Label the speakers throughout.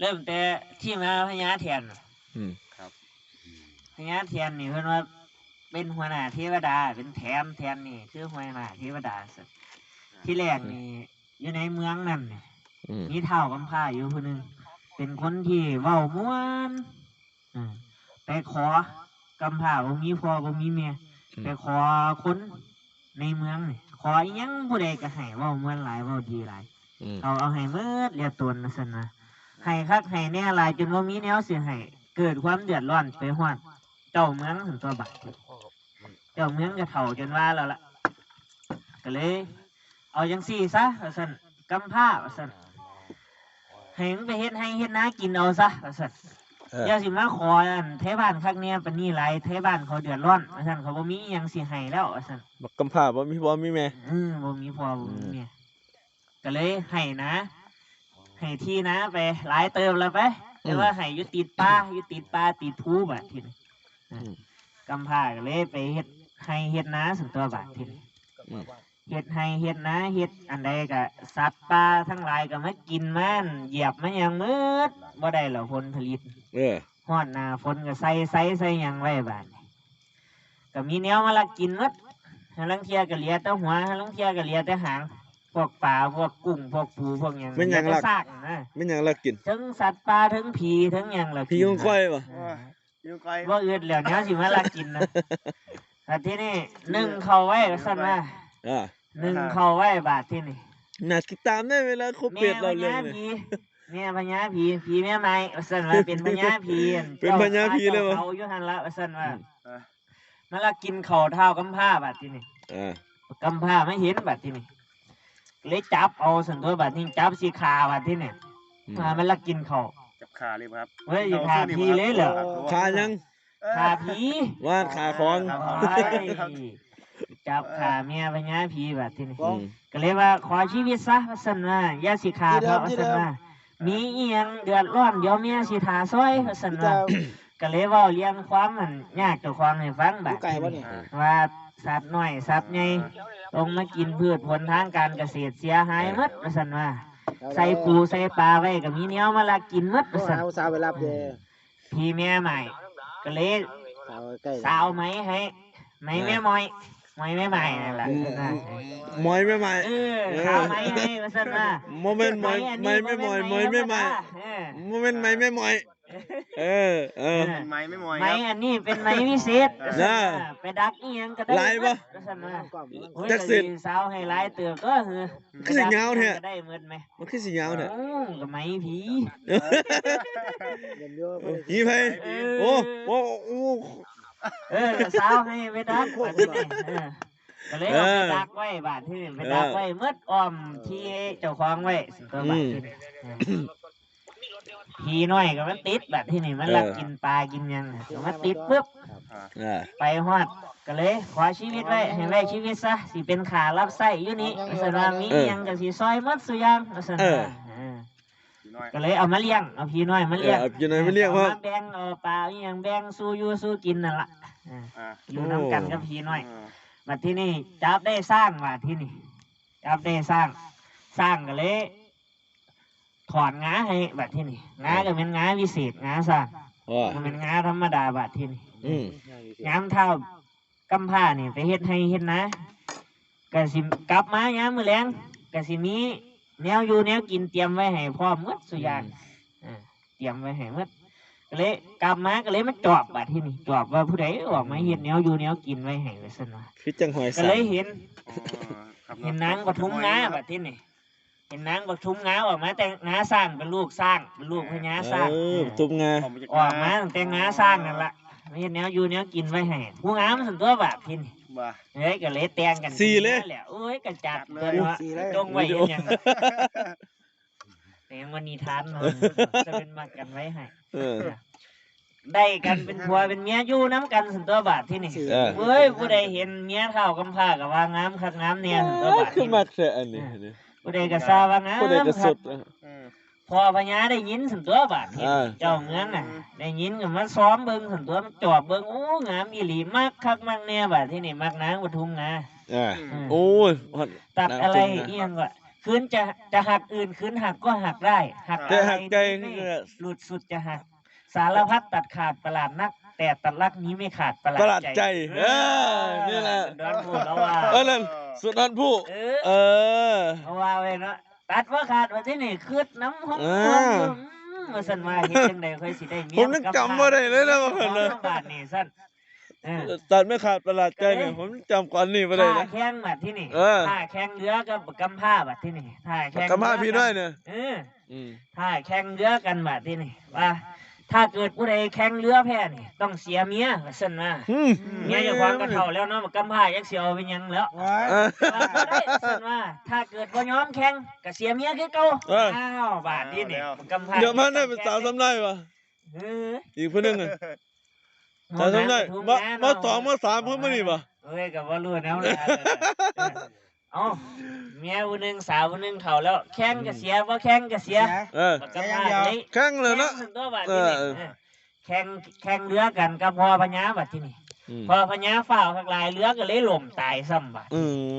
Speaker 1: เริ่มแต่ที่มาพญาแทน
Speaker 2: ครับ
Speaker 1: พญาแทนนี่เพิ่นว่าเป็นหัวหน้าเทวดาเป็นแทนนี่คือหัวหน้าเทวดาที่แรกนี่อยู่ในเมืองนั่นมีเฒ่ากำพร้าอยู่คนหนึ่งเป็นคนที่เว้าม่วนไปขอกำพร้าบ่มีพ่อบ่มีแม่ไปขอคนในเมืองนี่ขออีหยังผู้ใดก็ให้เว้าม่วนหลายเว้าดีหลายเอาให้หมดเรียกตนซั่นนะให้คักให้แน่หลายจนบ่มีแนวสิให้เกิดความเดือดร้อนไปฮอดเจ้าเมืองถึงตัวบัดเจ้าเมืองก็เฒ่าจนว่าแล้วล่ะก็เลยเอาจังซี่ซะว่าซั่นกำพร้าว่าซั่นให้มึงไปเฮ็ดให้เฮ็ดนากินเอาซะว่าซั่นอย่าสิมาขออันเทบ้านคักเนี่ยปานนี้หลายเทบ้านเขาเดือดร้อนว่าซั่นเขาบ่มีอิหยังสิให้แล้วว่าซั่น
Speaker 3: บักกำพร้าบ่มีพ่อมีแม่
Speaker 1: บ่มีพ่อบ่มีแม่ก็เลยให้นะให้ที่นะไปหลายเติมแล้วไปแต่ว่าให้อยู่ติดป่าติดภูบัดทีนี้กำพร้าก็เลยไปเฮ็ดให้เฮ็ดนาส่วนตัวบัดทีนี้เฮ็ดให้เฮ็ดนาเฮ็ดอันใดก็สัตว์ป่าทั้งหลายก็มากินมันเหยียบมันอย่างมืดบ่ได้แล้วผลผลิตฮอดหน้าฝนก็ใส่หยังไว้บาดนี้ก็มีแนวมาลักกินหมดลังเที่ยก็เหลือแต่หัวลังเที่ยก็เหลือแต่หางพวกปลาพวกกุ้งพวกปูพวกหยัง
Speaker 3: มันหยังลัก
Speaker 1: นะ
Speaker 3: มันหยังลักกิน
Speaker 1: ทั้งสัตว์ป่าทั้งผีทั้งหยังล่ะ
Speaker 3: ผีของก้อยบ่
Speaker 1: บ่อึดแล้วแนวสิมาลักกินนะแต่ที่นี่นึ่งเข้าไว้ซั่นว่านึ่งเข้าไว้บาดที่นี่
Speaker 3: น่าติดตามได้เวลาครบเป็ดเราเลย
Speaker 1: แม่พญาผีแม่ไม้ซั่นว่าเป็นพญาผี
Speaker 3: เป็นพญาผีเลยบ่
Speaker 1: เขาอยู่หั่นละซั่นว่ามาลักกินข้าวเท้ากำพร้าบาดที่นี่กำพร้าไม่เห็นบาดที่นี่เลยจับเอาสันตัวบาดนี้จับสีขาบาดที่นี่มันลักกินข้าว
Speaker 2: จับขาเลยครับ
Speaker 1: เฮ้ยขาผีเลยเหรอ
Speaker 3: ขายัง
Speaker 1: ขาผี
Speaker 3: ว่าขาของ
Speaker 1: จับขาเมียพญาผีบาดที่นี่ก็เลยว่าขอชีวิตซะสันว่าอย่าสีขาเพราะสันว่ามีเอียงเดือดร้อนเดี๋ยวเมียสีทาซอยสันว่าก็เลยว่าเลี้ยงความมันยากเจ้าความให้ฟังบาดว่าสัตว์น้อยสัตว์ใหญ่ลงมากินพืชผลทางการเกษตรเสียหายหมดว่าซั่นว่าใส่ปูใส่ปลาไว้ก็มีแนวมาลักกินหมดว่าซั่น
Speaker 4: สาวไปรับเด้
Speaker 1: พี่แม่ใหม่ก็เลยสาวไหมให้ไหมแม่มอยแม่ใหม่นั่นล่ะ
Speaker 3: มอยแม่ใหม่
Speaker 1: สาวไหมให้ว่าซั่นว่า
Speaker 3: โมเมนต์มอยแม่มอยแม่ใหม่โมเมนต์แม่มอย
Speaker 2: ไม้ไม่มอย
Speaker 1: ไม้อันนี้เป็นไม้วิเศษไปดักอีหยังก็ได้
Speaker 3: ลายบ่
Speaker 1: จักสิสาวให้ลายเตือก็
Speaker 3: คือสิยาวแท้
Speaker 1: ได้หมดมั้ย
Speaker 3: มันคือสิยาวแท้
Speaker 1: ก็ไม้ผี
Speaker 3: ผีไผโอ้
Speaker 1: สาวให้ไปดักก็เลยเอาไปดักไว้บาดที่ไปดักไว้หมดอ้อมที่เจ้าของไว้ตัวบาดผีน้อยก็มันติดแบบที่นี่มันลักกินปลากินยังมันติดปุ๊บไปฮอดก็เลยขอชีวิตไว้ให้ไว้ชีวิตซะสิเป็นขารับไส้อยู่นี่สนามียังก็สิซอยมัดสุยางสนาก็เลยเอามาเลี้ยงเอาผีน้อยมาเลี้ยง
Speaker 3: ผีน้อยมาเลี้ยงว่า
Speaker 1: แบ่งเอาปลาอย่างแบ่งสู้อยู่สู้กินนั่นล่ะอยู่น้ำกันกับผีน้อยมาที่นี่จับได้สร้างมาที่นี่จับได้สร้างก็เลยถอนงาให้บัดที่นี่งาก็เป็นงาวิเศษงาสร้างมันเป็นงาธรรมดาบัดที่นี่ยามเท่ากำผ้านี่ไปเฮ็ดให้เฮ็ดนะกะสิกลับมายามมื้อแลงกะสิมีแนวอยู่แนวกินเตรียมไว้ให้พร้อมหมดสุอย่างเตรียมไว้ให้หมดก็เลยกลับมาก็เลยมาจอบบัดที่นี่จอบว่าผู้ใดออกมาเฮ็ดแนวอยู่แนวกินไว้ให้ว่าซั่นว่า
Speaker 3: คือจังหอย
Speaker 1: ก็เลยเห็นนางปทุมงาบัดที่นี่เห็นนางปทุมงาออกมาแต่งาสร้างเป็นลูกสร้างเป็นลูกพญาสร้าง
Speaker 3: ทุมงา
Speaker 1: ออกมาแต่งาสร้างนั่นละไม่เห็นแนวอยู่แนวกินไว้ให้ผู้งามส่วนตัวแบบพินเฮ้ยก็เลยแต่งกัน
Speaker 3: สี่เลย
Speaker 1: โอ้ยกระจัดเลยว่าจงไว้ยังแต่วันนี้ทันจะเป็นมากันไว้ให้ได้กันเป็นผัวเป็นเมียอยู่น้ำกันส่วนตัวบาทที่นี่เฮ้ยผู้ใดเห็นเมียเท่ากำพร้ากับว่างามคักงามเนี่ยส่วนตัวบาท
Speaker 3: คือมักเสียอันนี้
Speaker 1: ผู้ใดก็ทราบว่างามครับพอพญาได้ยินสันตัวบาดเจ้าเมืองน่ะได้ยินก็มาซ้อมเบิ่งสันตัวจอบเบิ่งโอ้งามอีหลีมากคักมากแน่บาดที่นี่มักนางปทุมงา
Speaker 3: โอ้ย
Speaker 1: ตัดอะไรเอียงก็คืนจะหักอื่นคืนหักก็หักได้หัก
Speaker 3: แต่หักใจ
Speaker 1: ไม่
Speaker 3: คือ
Speaker 1: หลุดสุดจะหักสารพัดตัดขาดประหลาดนัก แต่ตัดรักนี้ไม่ขาดประห
Speaker 3: ประห
Speaker 1: ลา
Speaker 3: ลา
Speaker 1: ด
Speaker 3: ด
Speaker 1: ใจ
Speaker 3: ใจนี่แหละ
Speaker 1: ดอนพูดแล้วว่า
Speaker 3: นั่นสุดนั้นผู้ เออ
Speaker 1: เอาว่าไว้เนาะตัดว่าขาดว่าที่นี่คืดน้ำห้อง
Speaker 3: อ่า
Speaker 1: มาสั่นว่าเฮ็ดจังไดค่อยสิได้เมี
Speaker 3: ผมยังจำบ่ได้เลยนะว่าเพิ่นน่ะ
Speaker 1: บาทนี่สั่นเออ
Speaker 3: ตัดไม่ขาดประหลาดใจเนี่ยผมจำก่อนนี่ไม่ได้
Speaker 1: ท่า
Speaker 3: นะ
Speaker 1: แข้งบัดที่นี่
Speaker 3: เออ
Speaker 1: ท่าแข้งเรือกับกำผ้าบัดที่นี่ท่าแข้ง
Speaker 3: กำมาพี่น้อยเนี่ย
Speaker 1: ท่าแข้งเรือกันบัดที่นี่ว่า ถ้าเกิดผู้ใดแข่งเรือแพ้นี่ต้องเสียเมียว่าซั่นว่าเมียเจ้าของก็เฒ่าแล้วเนาะกำผ้าจักสิเอาเป็นหยังแล้ว ว่าบ่ได้ซั่นว่าถ้าเกิดบ่ยอมแข่งก็เสียเมียคือเก่าอ้าวบาดนี้นี่กำผ้า
Speaker 3: เดี๋ยวมันได้เป็นสาวทำได้ปะ
Speaker 1: เออ
Speaker 3: อีกคนนึงอ่ะสาวทำได้มาสองมาสามเพิ่มมานี่ปะ
Speaker 1: เอ้ยก็บ่รู้แนวละเอ้าเมียผู้หนึงสาวผู้หนึงเฒ่าแล้วแข่งก็เสียบ่แข่งก็เสีย
Speaker 3: เออ
Speaker 1: กำผ้าเลย
Speaker 3: แข่งเลยนะ
Speaker 1: ตัวบาดที่นี่แข่งเรือกันกับพ่อพญาบาดที่นี่พ่อพญาฝ้าวทักหลายเรือก็เลยล่มตายซ้ำบาด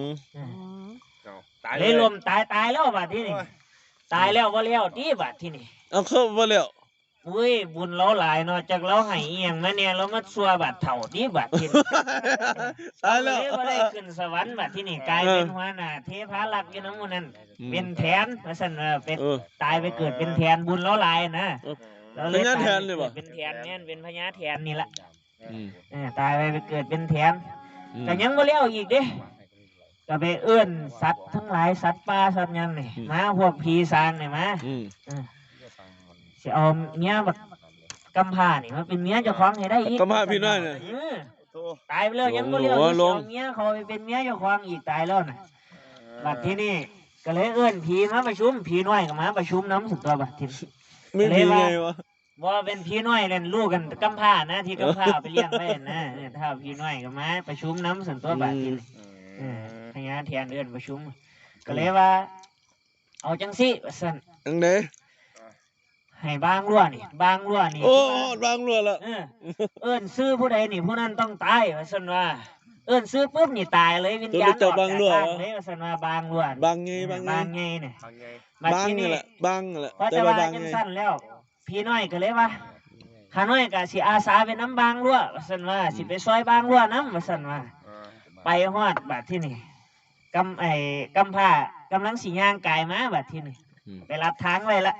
Speaker 1: เลยล่มตายแล้วบาดที่นี่ตายแล้วบ่แล้วที่บาดที่นี่
Speaker 3: เอาเข้ามาแล้ว
Speaker 1: อุ้ยบุญเราหลายเนาะจากเราให้อีหยังมาเนี่ยเรามาซัวบาดเถ่าที่บาดที่นี่
Speaker 3: ตายแล้ว
Speaker 1: เลยบ่ได้ขึ้นสวรรค์บาดที่นี่กลายเป็นหัวหน้าเทพารักษ์อยู่นำหมู่นั้นเป็นแทนว่าซั่นเป็นตายไปเกิดเป็นแทนบุญเราหลายนะ
Speaker 3: เป็นญาติแทนเลยป่ะ
Speaker 1: เป็นแทนเนี่ยเป็นพญาแทนนี่ละตายไปเกิดเป็นแทนแต่ยังบ่เลี้ยวอีกเด้ก็ไปเอื้อนสัตว์ทั้งหลายสัตว์ป่าสัตว์ยังนี่มาพวกผีสางนี่มาสิเอาเมียแบบกำพร้านี่มาเป็นเมียเจ้าของให้ได้อีก
Speaker 3: กำพร้าพี่น้อยเนี่ย
Speaker 1: ตายไปแล้วยังบ่เลี้ยว
Speaker 3: โอ้
Speaker 1: สิ
Speaker 3: โหลง
Speaker 1: เอาเมียเขาไปเป็นเมียเจ้าของอีกตายแล้วน่ะบัดที่นี่ก็เลยเอื้อนผีมาประชุมผีน้อยก็มาประชุมน้ำสุดตัวบัดที่
Speaker 3: ไม่มีไงวะ
Speaker 1: ว่าเป็นพี่น้อยเล่นลูกกันกำพร้านะที่กำพร้าไปเลี้ยงไว้นะถ้าพี่น้อยก็มาประชุมน้ำส่วนตัวบาดทีพญาแทนเดินประชุมก็เลยว่า เอาจังสิว่าซั่น
Speaker 3: จังได
Speaker 1: ให้บางรั่วนี่บางรั่วนี่
Speaker 3: โอ้บางรัวละ
Speaker 1: เอิ้นซื้อผู้ใดนี่ผู้นั้นต้องตายว่าซั่นว่าเอิ้นซื้อปุ๊บนี่ตายเลยวิญญาณออกจากร่างเลยว่าซั่นว่าบางรั่ว
Speaker 3: บางไงบางไง
Speaker 1: บางไงเนี่ย
Speaker 3: บางนี่แหละบางแหละ
Speaker 1: เพราะ
Speaker 3: แต่
Speaker 1: แต่
Speaker 3: ว่า
Speaker 1: ว่า
Speaker 3: บาง
Speaker 1: จัง
Speaker 3: ไง
Speaker 1: สั้นแล้ว พี่น้อยก็เลยว่าข้าน้อยก็สิอาสาเป็นน้ำบางรั่วว่าซั่นว่าสิไปซอยบางรั่วน้ำว่าซั่นว่าไปฮอดบัดที่นี่กำผ้ากำลังสิย่างกายมาบัดที่นี่ไปรับทางไว้ละ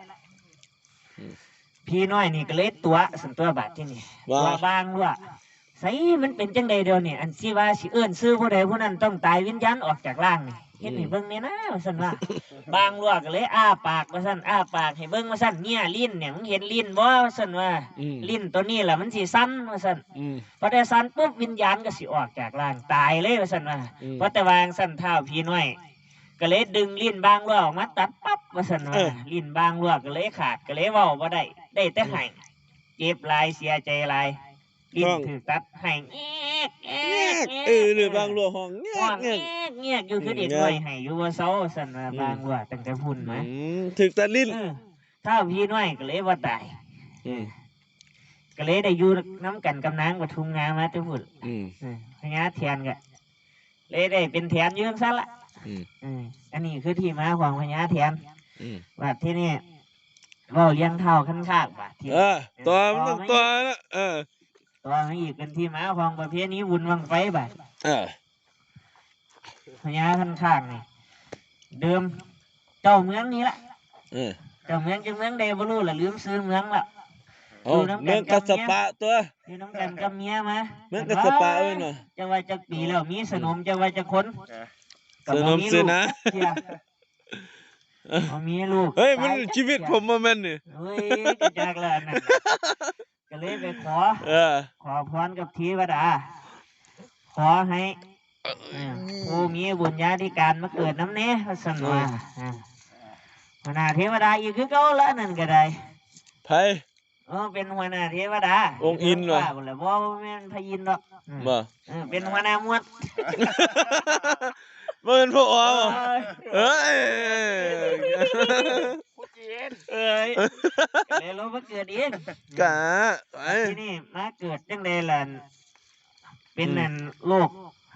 Speaker 1: พี่น้อยนี่ก็เลยตัวสันตัวบัดที่นี่ตัวบางรั่วใส่มันเป็นจังใดเดียวนี่อันสิว่าสิเอิ้นซื้อผู้ใดผู้นั้นต้องตายวิญญาณออกจากร่างนี่เฮ็ดให้เบิ่งนี่นะว่าซั่นว่าบางรั่วก็เลยอ้าปากว่าซั่นอ้าปากให้เบิ่งว่าซั่นเนี่ยลิ้นเนี่ยมึงเห็นลิ้นบ่ว่าซั่นว่าลิ้นตัวนี้ล่ะมันสิสั่นว่าซั่นพอได้สั่นปุ๊บวิญญาณก็สิออกจากร่างตายเลยว่าซั่นว่าเพราะแต่วางซั่นเท้าพี่น้อยก็เลยดึงลิ้นบางรั่วออกมาตัดปั๊บว่าซั่นว่าลิ้นบางรั่วก็เลยขาดก็เลยเว้าบ่ได้แต่ให้เจ็บหลายเสียใจหลายลิ้นถูกตัดให้แอ๊ก
Speaker 3: หรือบางรัวห้องเงี้ย
Speaker 1: อยู่คือเด็กน้อยให้อยู่ว่าเซาซั่นว่าบางรั่วตั้งแต่พุ่นมา
Speaker 3: ถึกแต่ลิ้น
Speaker 1: ถ้าพี่น้อยก็เลยว่าตายก็เลยได้อยู่น้ำกันกับนางปทุมงามาแต่พุ่นพญาแทนก็เลยได้เป็นแทนยืนซะละอันนี้คือที่มาของพญาแทนว่าที่นี่ว่าเลี้ยงเท่าขั้นข้างว่าที่
Speaker 3: ตัวมันต้องตัวนะ
Speaker 1: ตัวมันอีกเป็นที่มาของประเภทนี้วุ่นวังไฟบ่พญาขั้นข้างนี่เดิมเจ้าเมืองนี้ละเจ้าเมืองจังเมืองใดบ่รู้ละลืมซื้อเมืองละ
Speaker 3: เมืองกัสปะตัว
Speaker 1: อยู่น้ำกันกับเมียมา
Speaker 3: เมืองกัสปะเนาะ
Speaker 1: จะว่าจะปีแล้วมีสนมจะว่าจะคน
Speaker 3: สนมเสนะ
Speaker 1: มีลูก
Speaker 3: เฮ้ยมันชีวิตผมมาแม่นนี่
Speaker 1: เฮ้ยก็จากแล้วนั่นก็เลยไปขอพรกับเทวดาขอให้ผู้มีบุญญาธิการมาเกิดน้ำเนี้ยสนว่าหัวหน้าเทวดาอีกคือเก่าแล้วนั่นก็ได้
Speaker 3: ไผ
Speaker 1: เป็นหัวหน้าเทวดา
Speaker 3: องค์อินเหรอ
Speaker 1: บ่แม่นพยินหรอกเป็นหัวหน้ามวด
Speaker 3: เป็นพวกอ๋อเอ้ย
Speaker 1: เลยเรามาเกิดเอง
Speaker 3: กะ
Speaker 1: ที่นี่มาเกิดจังเลยล่ะเป็นนั่นโลก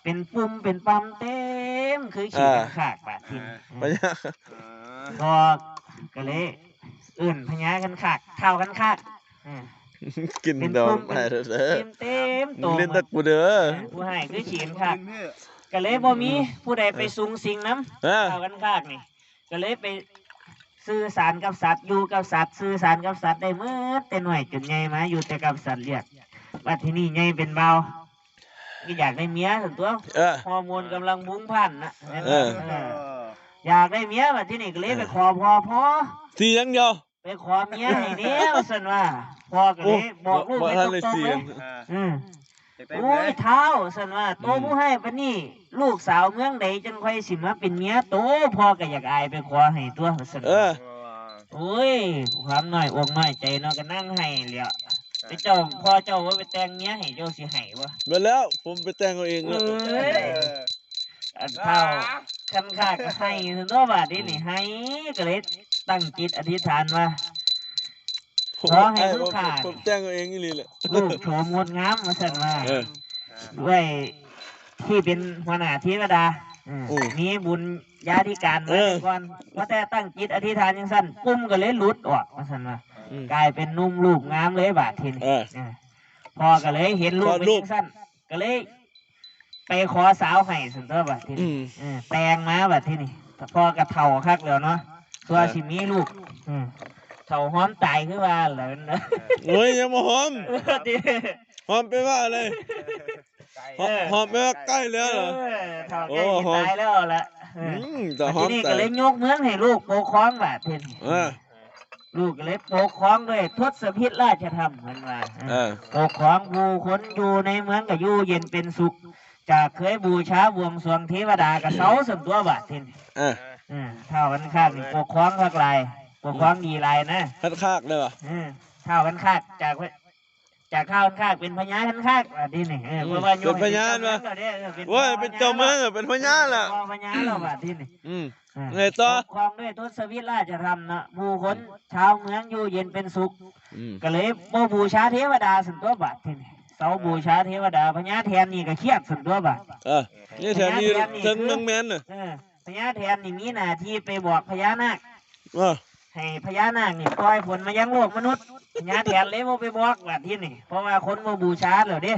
Speaker 1: เป็นปุ่มเป็นปั๊มเต็มคือขี่กันขากบาดทีนี้
Speaker 3: พญา
Speaker 1: พอก็เลยอื่นพญากันขากเท่ากันขาก
Speaker 3: กินดอกไปเด้อ
Speaker 1: เต็มโต
Speaker 3: เล่นตะกูเด้อ
Speaker 1: ผู้ให้คือขี่กันขากก็เลยบ่มีผู้ใดไปสูงสิงน้ำ
Speaker 3: เออ
Speaker 1: เท่ากันขากนี่ก็เลยไปสื่อสารกับสัตว์อยู่กับสัตว์สื่อสารกับสัตว์ได้เมื่อแต่หน่อยจนใหญ่มาอยู่แต่กับสัตว์เรียกว่าที่นี่ใหญ่เป็นเบาก็อยากได้เมียส่วนตัว
Speaker 3: เออ
Speaker 1: ฮอร์โมนกำลังบุ้งพล่านนะ
Speaker 3: เออ
Speaker 1: อยากได้เมียว่าที่นี่ก็เลยไปขอพ่อ
Speaker 3: สีอย่างเดียว
Speaker 1: ไปขอเมียให้เนี้ยว่าซั่นว่าพ่อก็เลยบอกลูก
Speaker 3: บ่
Speaker 1: ไป
Speaker 3: ทัน
Speaker 1: ต
Speaker 3: เลย
Speaker 1: รง
Speaker 3: สี
Speaker 1: ๆเลย อืม
Speaker 2: อยากได้
Speaker 1: โอ้
Speaker 2: เมี
Speaker 1: ย
Speaker 2: ย
Speaker 1: เท้าซั่นว่าโตผู้ให้ปานนี้ลูกสาวเมืองใดจังค่อยสิมาเป็นเมียโตพ่อก็อยากอายไปขอให้ตัวว่าซั่น
Speaker 3: เออ
Speaker 1: โอ้ยความน้อยอกน้อยใจเนาะก็นั่งให้แหล้วไปเจ้าพ่อเจ้าว่าไปแต่งเมียให้เจ้าสิให้บ่
Speaker 3: มาแล้วผมไปแต่งเอาเอง
Speaker 1: เอ
Speaker 3: แล้ว
Speaker 1: ้ยอันเท่าคันค่าก็ให้ซั่นตัวบาดนี้นี่ให้ก็เลยตั้งจิตอธิษฐานว่า ขอให้ลูกค้า
Speaker 3: ผมแต่งเอาเองอีหลีแหละ
Speaker 1: ลูกโฉมงดงามมาสั่นว่า
Speaker 3: เออ
Speaker 1: ด้วยที่เป็นหัวหน้าเทวดา
Speaker 3: อืม
Speaker 1: มีบุญญาธิการมาก่อนว่าแต่ตั้งจิตอธิษฐานยังสั้นปุ่มก็เลยหลุดออกมาสั่นว่า
Speaker 3: อืม
Speaker 1: กลายเป็นนุ่มลูกงามเลยบาดทีนี้
Speaker 3: เออ
Speaker 1: พอก็เลยเห็นลูก
Speaker 3: คลอด
Speaker 1: เป็น
Speaker 3: ลูก
Speaker 1: ยังสั้นก็เลย ไปขอสาวให้สันตัวบาดที
Speaker 3: อื
Speaker 1: นี้
Speaker 3: ม
Speaker 1: แปลงมาบาดทีนี้พอกระเท่าคักแล้วเนาะตัวสิมีลูกเท่าหอมตายคือว่าแล้วนะ
Speaker 3: โอ้ยอย่ามาหอม
Speaker 1: ดิ
Speaker 3: หอมไปว่าอะไรหอมไปว่าใกล้แล้วเหรอ
Speaker 1: เท่าแก่สิตายแล้วล่ะ
Speaker 3: แต่หอ
Speaker 1: ที
Speaker 3: ม
Speaker 1: นี้
Speaker 3: แต่
Speaker 1: ก็เลยยกเมืองให้ลูกปกครองบาดทีนี้
Speaker 3: เออ
Speaker 1: ลูกก็เลยปกครองด้วยทศพิธราชธรรมเหมือนว่า
Speaker 3: เออ
Speaker 1: ปกครองผู้คนอยู่ในเมืองก็อยู่เย็นเป็นสุข จากเคยบูชาบวงสรวงเทวดากับเสาสมตัวบาดทีนี้
Speaker 3: เออ
Speaker 1: เท่ากันข้างนี่ปกครองภาคลายปกครองดีลายนะ
Speaker 3: คัดคากเลยว่ะ
Speaker 1: เท่ากันข้างจากข้าวกันข้างเป็นพญากันข้างบาดทีนี้เพราะว่าโยม
Speaker 3: เป็นพญานวะโว้ยเป็นเจ้าเมืองอะเป็นพญานล่ะ
Speaker 1: พญาเราบาดทีนี้
Speaker 3: ไงต่อ
Speaker 1: ปกครองด้วยทศวิราชธรรมนะผู้คนชาวเมืองอยู่เย็นเป็นสุข ก็เลยบ่บูชาเทวดาสันตัวบาททีนี่เสาบูชาเทวดาพญาแทนนี่ก็เครียดสันตัวบาท
Speaker 3: เออนี่แถวนี้ถึงเมืองแมนน่ะ
Speaker 1: พญาแทนนี่มีหน้าที่ไปบอกพญานาค
Speaker 3: เออ
Speaker 1: ให้พญานาคนี่ปล่อยผลมายังโลกมนุษย์พญาแทนเลยบ่ไปบอกบาทที่นี่เพราะว่าคนบ่บูชาแล้วเด้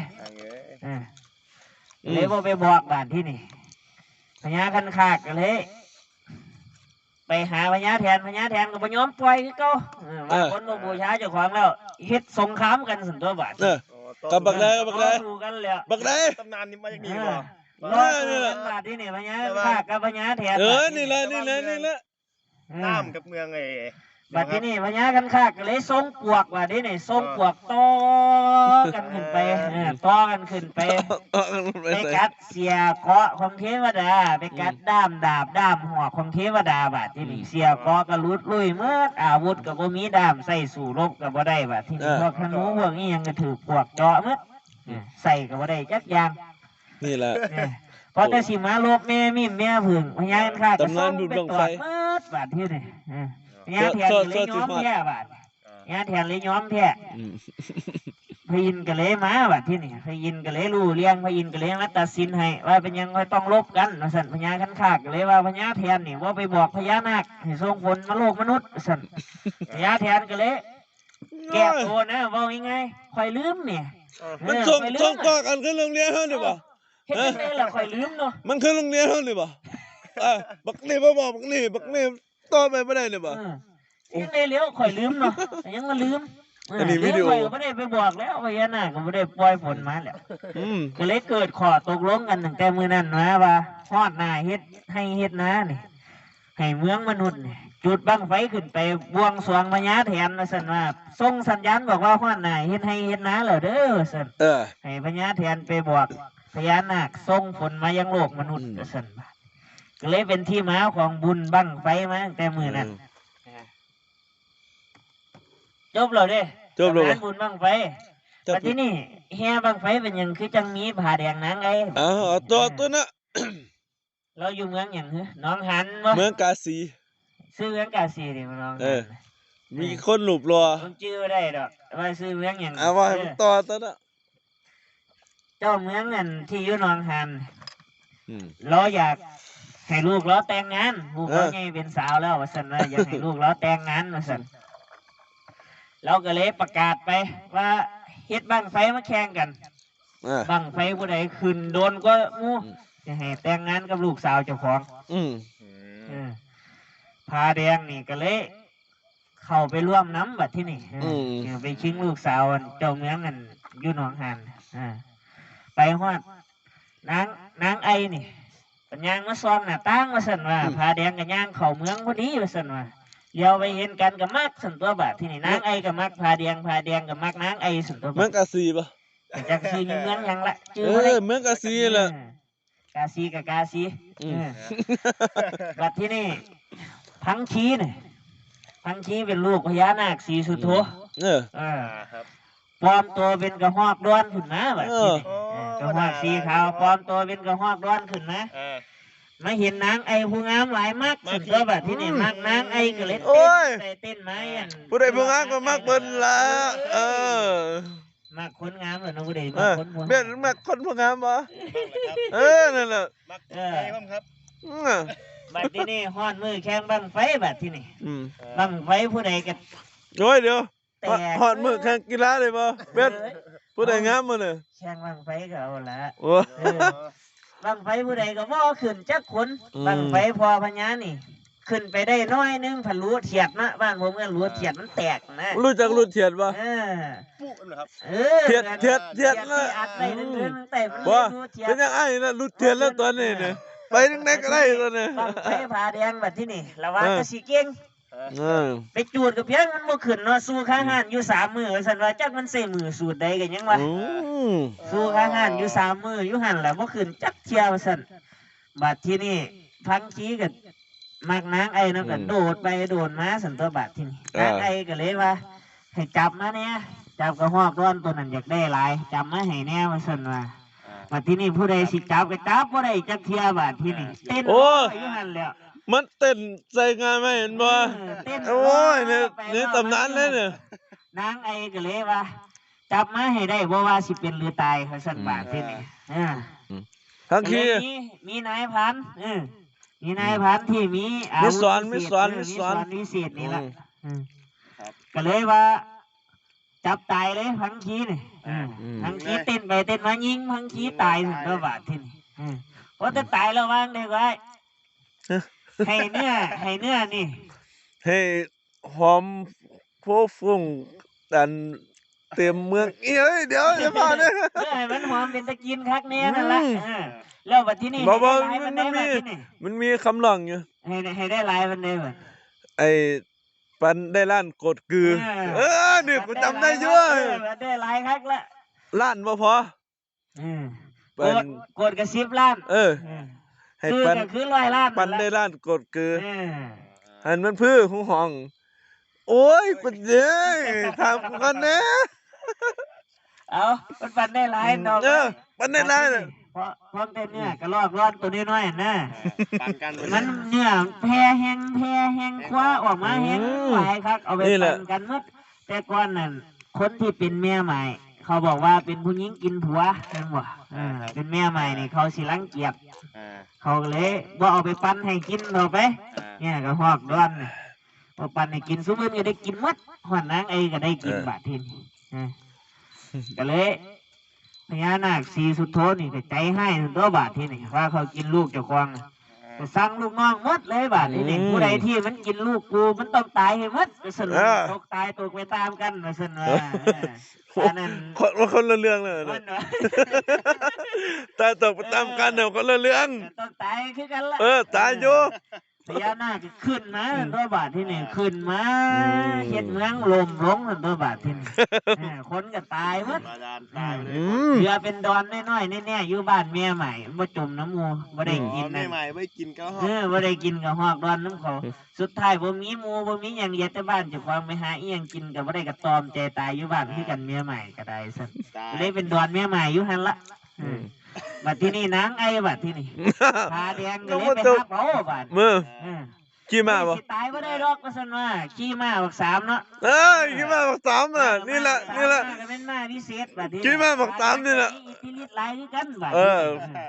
Speaker 1: เลยบ่ไปบอกบาทที่นี่พญาคันคากก็เลย ไปหาพญาแทนก็บ่ยอมปล่อยคือเก่าว่าคนบ่บูชาเจ้าของแล้วเฮ็ดสงครามกันสันตัวบาท
Speaker 3: เออกับบักได้บักได้
Speaker 1: สู้กันแล้ว
Speaker 3: บักได้
Speaker 2: ตำนานนี้มาจากนี่บ่
Speaker 1: รอสู้กันบาทที่นี่พญาคากกับพญาแทน
Speaker 3: นี่แหละ
Speaker 2: น้ำกับเมืองไอ้
Speaker 1: บาทที่นี่พญากันคากก็เลยส่งปวกบาทที่นี่ส่งปวกต่อกันขึ้นไปต่อกันขึ้นไป ไปกัดเสียเกาะของเทวดาไปกัดด้ามดาบด้ามหัวของเทวดาบาดที่นี่เสียเกาะก็ลุดลุยเมื่ออาวุธก็บ่มีด้ามใส่สู่รบก็บ่ได้บาดที่นี่พวกธนูพวกนี้ยังก็ถือปวกเจาะเมื่อใส่ก็บ่ได้จักอย่าง
Speaker 3: นี่แหละ
Speaker 1: พอแต่สิมาลบแม่มิมแม่ผึ่งพญากันข้าก็ส่งไปตรวจเมื่อบาดที่นี่พญาแทนเลยย้อมแท้บาดพญาแทนเลยย้อมแท้ พยินก็เลยมาบัดที่นี่พยินก็เลยรู้เลี้ยงพยินก็เลยมาตัดสินให้ว่าเป็นยังไงต้องลบกันสั่นพญาคันคากก็เลยว่าพญาแทนนี่ว่าไปบอกพญานาคให้ส่งผลมาโลกมนุษย์สั่นพญาแทนก็เลยแก้ตัวนะว่ายังไงคอยลืมเนี่ย
Speaker 3: มันส่งต่อกันขึ้นโรงเรียนเฮานี่บ่
Speaker 1: เฮ็ดจังได๋ล่ะคอยลืมเนาะ
Speaker 3: มันขึ้นโรงเรียนเฮานี่บ่บักนี่บ่บอกบักนี่ต่อไปบ่ได้นี่บ่
Speaker 1: ยังได้เลี้ยวคอยลืมเนาะยังมาลืม
Speaker 3: อันนี้วิดีโอ
Speaker 1: ก็ไม่ได้ไปบอกแล้วพญานาคก็ไม่ได้ปล่อยผลมาแล้วก็เลยเกิดข้อตกลงกันตั้งแต่มื้อนั้นนะว่าฮอดหน้าเฮ็ดให้เฮ็ดนานี่ให้เมืองมนุษย์นี่จุดบั้งไฟขึ้นไปบวงสรวงพญาแทนว่าซั่นว่าส่งสัญญาณบอกว่าฮอดหน้าเฮ็ดให้เฮ็ดนาแล้วเด้อซั่นให้พญาแทนไปบอกพญานาคส่งผลมายังโลกมนุษย์ว่าซั่นก็เลยเป็นที่มาของบุญบั้งไฟมาตั้งแต่มื้อนั้นจบแล้วเด้
Speaker 3: จบแล้ว
Speaker 1: งานบุญบั้งไฟแต่ที่นี่แห่บั้งไฟเป็นหยังคือจังมีผ้าแดงนางไง
Speaker 3: เอาตัวน่ะ
Speaker 1: เราอยู่เมืองหยังเหรอน้องหันบ่
Speaker 3: เมืองกาสี
Speaker 1: ซื้อเมืองกาสีนี่มันน้องหัน
Speaker 3: มีคนหลุบรอ
Speaker 1: ผมชื่อได้ดอกว่าซื้อเมืองหยัง
Speaker 3: ว่าตัวน่ะ
Speaker 1: เจ้าเมืองอันที่อยู่หนองหันเราอยากให้ลูกเราแต่งงานลูกเราไงเป็นสาวแล้วว่าซั่นว่าอยากให้ลูกเราแต่งงานว่าซั่นเราก็เลยประกาศไปว่าเฮ็ดบั้งไฟมาแข่งกันบั้งไฟผู้ใดขึ้นโดนก็งูจะให้แต่งงานกับลูกสาวเจ้าของพาแดงนี่ก็เลยเข้าไปร่วมน้ำบัดที่นี่ไปชิงลูกสาวเจ้าเมืองกันอยู่หนองหานไปฮอดนางไอนี่ปัญญางมาซ้อมหน้าตั้งมาสั่นว่าพาแดงกับย่างเข้าเมืองพอดีมาสั่นว่าเดี๋ยวไปเห็นกันกับมักสั่นตัวบาดที่นี่นางไอกับมักพาแดงกับมักนางไอสั่นตัวบาด
Speaker 3: เมืองกาซีปะ
Speaker 1: จากซีมีเมืองยังละ
Speaker 3: เมืองกาซีแหละ
Speaker 1: กาซีกับกาซีบัดที่นี่พังคีเนี่ยพังคีเป็นลูกพญานาคสีสุโธปลอมตัวเป็นกระหอกด้วนขึ้นมาแบบนี้กระหอกสีขาวปลอมตัวเป็นกระหอกด้วนขึ้นมามาเห็นนางไอผู้งามหลายมากสุดตัวแบบที่นี่มากนางไอก็เลยเต้นไม้
Speaker 3: ผู้ใดผู้งามก็มากเบิ้ลละ
Speaker 1: มากคนงามเหมือนผู้ใดมากคน
Speaker 3: เบี้ยมากคนผู้งามปะนั่นแหละ
Speaker 2: มากใครบ้างครับ
Speaker 1: บัดที่นี่ฮ้อนมือแข่งบังไฟบัดที่นี่บังไฟผู้ใดกัน
Speaker 3: โอ้ยเดี๋ยวฮอดมือแข่งกีฬาเลยป่ะเบ็ดผู้ใดงามมาเลย
Speaker 1: แข่งบังไฟก็เอาละบังไฟผู้ใดก็บ่ขึ้นจักคนบังไฟพอพญานี่ขึ้นไปได้น้อยนึงผันรู้เทียดนะบ้านผมก็รู้เทียดมันแตกนะ
Speaker 3: รู้จักรู้เทียดป่ะ
Speaker 2: ปุ๊บนะครับ
Speaker 3: เทียดนะ
Speaker 1: อัดได้นึงแต่มัน
Speaker 3: รู้เทียดเป็นยังไงนะรู้เทียดแล้วตัวนี้เนี่ยไปนึงไหนก็ได้ตัวนี้
Speaker 1: บังไฟผาแดงแบบที่นี่ระวังก็สิเก่งไปจูดกับเพียงมันบ่ขึ้นเนาะสู้ข้าหันอยู่3 มื้อซั่นว่าจักมันใส่มือสูดใดกันยังวะสู้ข้าหันอยู่3 มื้ออยู่หันล่ะบ่ขึ้นจักเที่ยวซั่นบัดที่นี่พังกี้ก็มักนางไอเนาะก็โดดไปโดดมาซั่นตัวบัดที่นี่นางไอก็เลยว่าให้จับมาเนี่ยจับกระหอกร้อนตัวนั้นอยากได้หลายจับมาให้แน่ว่าซั่นว่าบัดที่นี่ผู้ใดสิจับก็จับบ่ได้จักเที่ยบัดที่นี่เต้นอยู่หันแล้ว
Speaker 3: มันเต้นใส่งานไม่เห็นบ่โอ้ยนี่ตำนานเลยเนี่ย
Speaker 1: นางไอก็เลยว่าจับมาให้ได้บ่ว่าสิเป็นหรือตายเขาสั่นบาทที่นี่
Speaker 3: ทั้งที
Speaker 1: มีนายพันมีนายพันที่มี
Speaker 3: สอน
Speaker 1: วิเศษนี่ละก็เลยว่าจับตายเลยพังคีนี่พังคีเต้นไปเต้นมายิงพังคีตายถึงตัวบาทที่นี่เพราะจะตายแล้วว่างได้ไว้ให้เนื้อนี่
Speaker 3: ให้หอมโฟฟุ้งดันเต็มเมืองเอ้ยเดี๋ยวจะมาเนี่ย
Speaker 1: ให้มันหอมเป็นตะกินคักแน่นั่นแหละแล้วบัดที่นี่
Speaker 3: มันมีคำร้องอยู่
Speaker 1: ให้ได้หลายมันได้บ่
Speaker 3: ไอ้ปันได้ล้านกดกือนี่กูจำได้อยู่
Speaker 1: ได้หลายคักละ
Speaker 3: ล้านบ่พ
Speaker 1: อกดกระ10 ล้าน
Speaker 3: ให้ปัน
Speaker 1: คือ100 ล้าน
Speaker 3: ปันได้ล้านกดคือหันมันพื้อหูห้องโอ้ยปัญญาทำกันนะ
Speaker 1: เอาปันได้หลายดอก
Speaker 3: ปันได้หลาย
Speaker 1: เพราะเต้นเนี่ยกระลอกร้อนตัวน้อยๆนะมันเนี่ยแพร่แห้งคว้าออกมาแห้งไหวครับเอาไปปั่นกันมั้งแต่ก่อนนั่นคนที่เป็นเมียใหม่เขาบอกว่าเป็นผู้หญิงกินผัวนั่นบ่เป็นเมียใหม่นี่เขาสิรังเกียจเขาเลยว่าเอาไปปั้นให้กินเราไปเนี่ยก็หอกด้วนพอปั้นให้กินซุปเปอร์ก็ได้กินมัดหอนนางไอก็ได้กินบาดทีนี้ก็เลยพญานาคสีสุดโทนี่ก็ใจให้ตัวบาดทีนี่ว่าเขากินลูกเจ้าของก็สั่งลูกน้องมัดเลยบาดทีนี่ผู้ใดที่มันกินลูกกูมันต้องตายให้มัดก็สนุกตกตายตกไปตามกันมาสนุก
Speaker 3: คนละเรื่องเลยตายตกไปตามกันเนี่ยคนละเรื่อง
Speaker 1: ต้องตายคือกันละ
Speaker 3: ตายอยู่
Speaker 1: พญานาคขึ้นมาตัวบาทที่นี่ขึ้นมาเห็ดเมืองลมลงตัวบาทที่นี่คนก็ตายมั้งเรือเป็นดอนน้อยๆแน่ๆอยู่บ้านเมียใหม่บ่จมน้ำมูบ่ได้กินนะ
Speaker 2: ใหม่ไม่กินก็ห
Speaker 1: อกบ่ได้กินก็หอกดอนน้ำเขาสุดท้ายบ่มีมูบ่มีอย่างเย็ดแต่บ้านจะความไปหาเอียงกินก็บ่ได้กระตอมใจตายอยู่บ้านคือกันเมียใหม่ก็ได้ซะเลยเป็นดอนเมียใหม่อยู่หั่นละบัดที่นี่นางไอบัดที่นี่พาแดงเลยไปหาเผาบัด
Speaker 3: ขี่ม้าบ่
Speaker 1: ตายบ่ได้ดอกว่าซั่นว่าขี่ม้าบัก3เนาะ
Speaker 3: ขี่ม้าบัก3น่ะนี่แหละ
Speaker 1: ก็เป็นม้าพิเศษบัดนี้
Speaker 3: ขี่ม้าบัก3นี่แหละ
Speaker 1: อิทธิฤทธิ์หลายคือกันบัด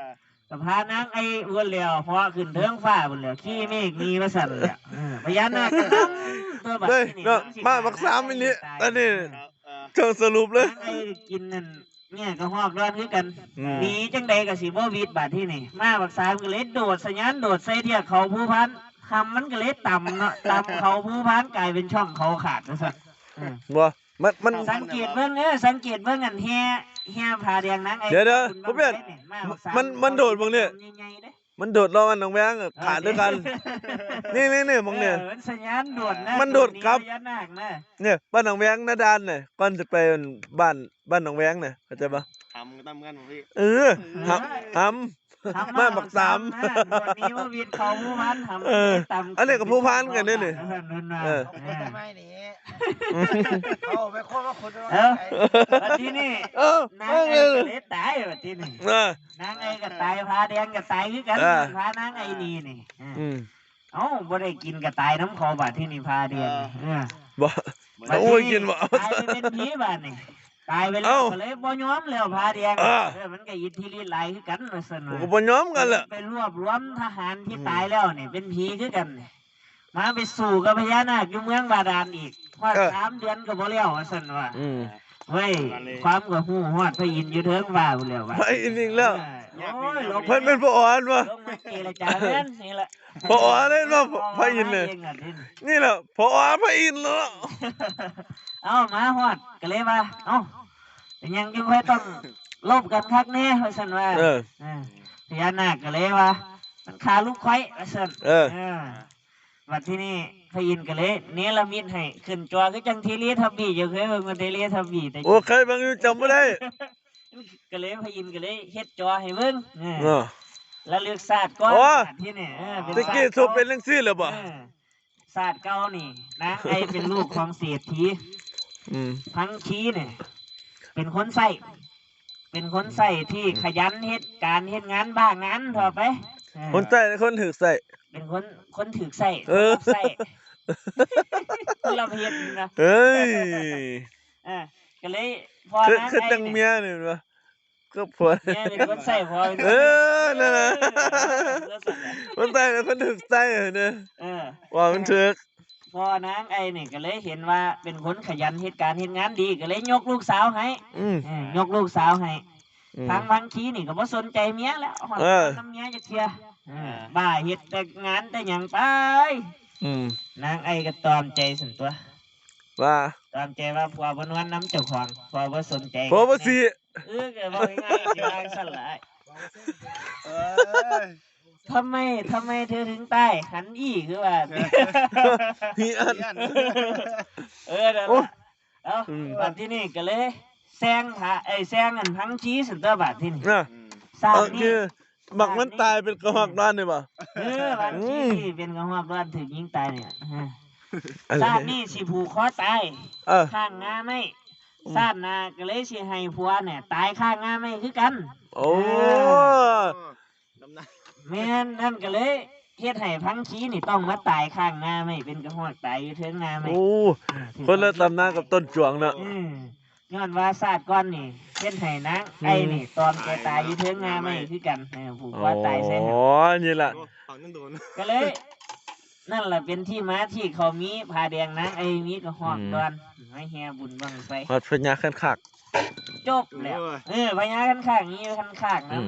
Speaker 1: ก็พานางไอ้อ้วนแล้วพอขึ้นเทิงฟ้าพุ่นแล้วขี้เมฆมีว่าสั่นแหละพญานาคก็นำตัวบัด
Speaker 3: เฮ้ย
Speaker 1: ที่นี่
Speaker 3: เนาะ
Speaker 1: นำสิ
Speaker 3: มาบักสามอันนี้อันนี้
Speaker 2: ครับ
Speaker 3: เชิงสรุปเลย
Speaker 1: นางไอ้กินนั่นเนี่ยก็ฮอกร้อนคือกัน
Speaker 3: อืม
Speaker 1: หนีจังใดก็สิบ่วิดบาดที่นี่มาบักสามก็เลยโดดสะยานโดดใส่เทียเขาผู้พันคำมันก็เลยต่ำเนาะต่ำเขาผู้พันกลายเป็นช่องเขาขาดว่าซั่น
Speaker 3: บ่มัน
Speaker 1: สังเกตเบิ่งสังเกตเบิ่งอันแฮ่ผาแดงนางไอ้
Speaker 3: เดี๋ยวๆ
Speaker 1: คุณ
Speaker 3: ผมเปลี่ยน
Speaker 1: บักไสมาบักสา
Speaker 3: มันโดดเบิ่งเนี่ย
Speaker 1: ใหญ่ๆเด้
Speaker 3: มันโดดรอมันน้องแบงค์ขาดด้วยกัน นี่มองเนี่ย
Speaker 1: มันสัญญาณโดดนะ
Speaker 3: มันโดดครับ
Speaker 1: พญานาคนะ
Speaker 3: เนี่ยบ้านหนองแวงหน้าด้านเนี่ยก่อนจะไปบ้านหนองแวงเนี่ยเข้าใจปะ
Speaker 2: ทำกันตามกันพี่
Speaker 3: เออทำ
Speaker 1: ทำ
Speaker 3: มาบักสาม
Speaker 1: นะโดดนี้ว่าวินเขาผู้พันทำ
Speaker 3: เออ
Speaker 1: ต่ำ
Speaker 3: อันนี้ก็ผู้พันกันเนี่ยนี่ เออ
Speaker 4: เขาคนทำไมนี่เขาไปโคตรว่าคน
Speaker 1: เออวันที่นี่
Speaker 3: เออน
Speaker 1: างไอ้ก็เลยตายวันที่นี่
Speaker 3: เออน
Speaker 1: างไอ้ก็ตายพาแดงก็ตายคือกัน
Speaker 3: เออ
Speaker 1: พานางไอ้นี่นี่
Speaker 3: อืม
Speaker 1: เอ้าบ่ได้กินก็ตายน้ำคอบาดที่นี่พาแดงเออ
Speaker 3: บ่
Speaker 1: บัด
Speaker 3: โอ้ยกินบ่
Speaker 1: ตายไปเป็นผีบาดนี่ตายไปแล้
Speaker 3: เอ้า
Speaker 1: วก็เลยบ่ยอมแล้วพาแดง
Speaker 3: เออ
Speaker 1: มันก็อิทธิฤทธิ์หลายคือกันว่าซั่น
Speaker 3: ผม
Speaker 1: ว่า
Speaker 3: ก็บ่ยอมกันแหละ
Speaker 1: ไปรวบรวมทหารที่ตายแล้วเนี่ยเป็นผีคือกันเนี่ยมาไปสู่กับพญานาคอยู่เมืองบาดาลอีกพอด 3 เดือนก็บ่แล้วว่าซั่นว่า
Speaker 3: อืม
Speaker 1: เฮ้ยความก็ฮู้ฮอดพระอินทร์อยู่เทิงฟ้าพุ่นแล้วว่า
Speaker 3: ไปอีกนิดแล้ว
Speaker 1: โอ้ยลง
Speaker 3: เพิ่นเป็นพ่ออ่อนวะ
Speaker 1: ลงมาเจรจาแม่นนี่แหละ
Speaker 3: พ่ออ่อนเลยเนาะพระอินทร์เนี่ย
Speaker 1: องอะนี่
Speaker 3: นี่แหละพ่ออ่อนพระอินทร์แล้ว
Speaker 1: เอ้ามาฮอดก็เลยว่าเอ้าเป็นหยังจึงค่อยต้องลบกันคักแน่ว่าซั่นว่า
Speaker 3: เออ
Speaker 1: พญานาคก็เลยว่ามันขาลูกไข่ว่าซั่น
Speaker 3: เออ
Speaker 1: วันที่นี่พระอินทร์ก็เลยเนรมิตให้ขึ้นจอคือจังทีเรียทับบี้อยู่เคยเบิ่งมันเทเรียทับบี้แต่
Speaker 3: โอ้ใครบางอยู่จำไม่ได้
Speaker 1: ก็เลยพระอินทร์ก็เลยเฮ็ดจอให้เบิ่ง
Speaker 3: เออ
Speaker 1: แล้วเลือกศาสตร์ก่อน
Speaker 3: โอ้
Speaker 1: ศาสตร์ที่นี่เป็น
Speaker 3: ตะกี้สุเป็นจังซี่เหรอบ่
Speaker 1: ศาสตร์เก่านี่นะไอเป็นลูกของเศรษฐี
Speaker 3: อืม
Speaker 1: พังคีเนี่ยเป็นคนใส่เป็นคนใส่ที่ขยันเฮ็ดการเฮ็ดงานบ้างานทั่วไป
Speaker 3: คนใต้คนถือใส่
Speaker 1: เป็นคนถือใส่
Speaker 3: เออ
Speaker 1: ใส่คนละเฮ็ดนะ
Speaker 3: เฮ้ย
Speaker 1: ก็เลยพอ
Speaker 3: คือ
Speaker 1: นะ
Speaker 3: คือ
Speaker 1: ไอ้
Speaker 3: จังเมียนี่วะก็ผัว
Speaker 1: เนี่ยเป็นคนใส่พอเป็น
Speaker 3: เออนั่นน่ะ
Speaker 1: เออ
Speaker 3: คนใต้เป็นคนถือใส่เนี่ย
Speaker 1: เออ
Speaker 3: ว่ามันถือ
Speaker 1: พอนางไอ้นี่ก็เลยเห็นว่าเป็นคนขยันเฮ็ดการเฮ็ดงานดีก็เลยยกลูกสาวให้
Speaker 3: อืม
Speaker 1: ยกลูกสาวให้
Speaker 3: อืม
Speaker 1: ทางบางทีนี่ก็บ่สนใจเมียแล้วฮอด
Speaker 3: เออ
Speaker 1: น้ำเมียจะเคลียร์บ้าเฮ็ดแต่งานแต่หยังไป
Speaker 3: อืม
Speaker 1: นางไอ้ก็ตอมใจสั่นตัว
Speaker 3: ว่า
Speaker 1: ตอมใจว่าผัวบ่นวลน้ำเจ้าของผัวบ่สนใจ
Speaker 3: เพราะว่าสิ
Speaker 1: ก็บอกง่ายๆสิว่าสั่นล่ะ
Speaker 2: เอ้ย
Speaker 1: ทำไมเธอถึงตายหันอีคือว่า
Speaker 3: มีอัน
Speaker 2: เยี่ยน
Speaker 1: นั่น
Speaker 3: โอ้
Speaker 1: ล่ะเอ้า
Speaker 3: อืม
Speaker 1: บัดที่นี่ก็เลยแซงแซงอันพังชี้สั่นตัวบัดที่นี่
Speaker 3: น่ะ
Speaker 1: สร้าง
Speaker 3: เอา
Speaker 1: นี่
Speaker 3: คือบักมันตายเป็นกระหักด้านนี่ป่ะ
Speaker 1: พังชี้ที่เป็นกระหอบร้อนถึงยิงตายเนี่ย
Speaker 3: อะไร
Speaker 1: ชาตินี้สิผูกคอตาย
Speaker 3: เออ
Speaker 1: ข้างงาไม่ชาติหน้าก็เลยสิให้ผัวเนี่ยตายข้างงาไม่คือกัน
Speaker 3: โอ้
Speaker 2: น้ำหนัก
Speaker 1: แม่นนั่นก็เลยเฮ็ดให้พังชี้นี่ต้องมาตายข้างงาไม่เป็นกระหอกตายอยู่เทิงงาไม่
Speaker 3: โอ้คนละตำนานกับต้นจวงเนาะ
Speaker 1: ย้อนว่าศาสตร์ก้อนนี่เฮ็ดให้นางไอ้นี่ตอนแกตายอยู่เทิงงาไม่คือกันผูกคอตายใส่ให้
Speaker 3: อ๋อนี่แหละ
Speaker 2: ฝั่งนั้นโดน
Speaker 1: ก็เลย นั่นแหละเป็นที่มาที่เขามีผ้าแดงนางไอ้มีกระหอกดอนให้แห่บุญบังไฟ
Speaker 3: วัดพญาขันคัก
Speaker 1: จบแล้วพญาคันข้างนี้คันข้างนะ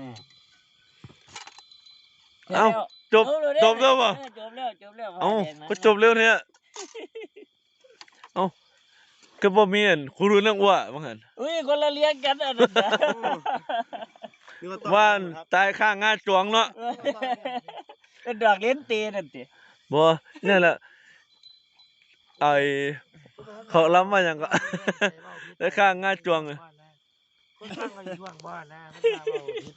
Speaker 3: เอ้าจบจบแล้วป่ะ
Speaker 1: จบแล้ว
Speaker 3: เอ้าก็จบเร็วเนี่ยเอ้าก็บ่มีอันครูรู้เรื่องว่าว่างั้น
Speaker 1: อุ้ยคนละเลี้ยงกันอันนั้น
Speaker 3: ว่านตายข้างงาจวงเนาะ
Speaker 1: เป็นดอกเลี้ยนตีนั่นติ
Speaker 3: บ่นี่แหละไอ้เขาล้ำมาหยังก็ ได้ข้างงาจวงอะ
Speaker 4: คนฟังกันช่วงบ้านนะมันมาเว้าผิด